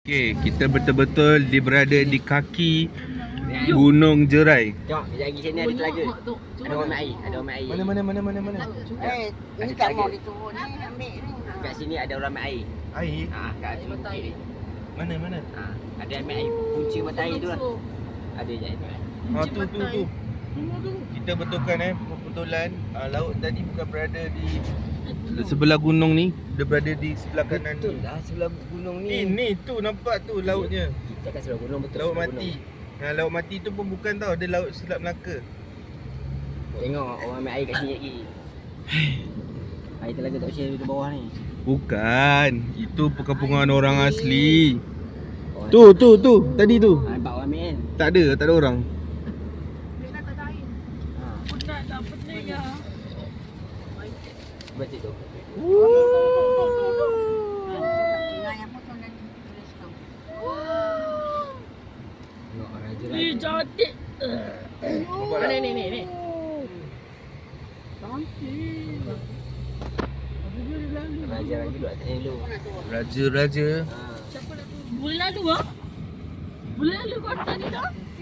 Okey, kita betul-betul berada di kaki Gunung Jerai. Tengok, kejap lagi sini ada telaga. Ada orang air, ada orang air. Mana? Ini kan mau diturun ni, ambil ni. Kat sini ada orang air. Air? Kat sini kiri. Mana? Ada ambil air, punca mata air tu lah. Ada je air. Tu. Kita betulkan kebetulan laut tadi bukan berada di sebelah gunung ni, dia berada di sebelah kanan Betul ni. lah, sebelah gunung ni. Ni tu nampak tu lautnya. Kita kat sebelah gunung betul. Laut sebelah mati. gunung. Laut mati tu pun bukan tau, dia laut Selat Melaka. Tengok orang ambil air kat sini lagi. Air telaga tak share di bawah ni. Bukan, itu perkampungan orang asli. Orang Tu, tadi tu. nampak orang ambil kan. Tak ada orang. Baca tu. Tinggal yang potong dan tulis tu. Tengok raja Ih, cantik. Nampak tak? Ni. raja dulu atas ni dulu. Raja. Ha. Boleh lalu ah? Boleh lalu kau tadi dah?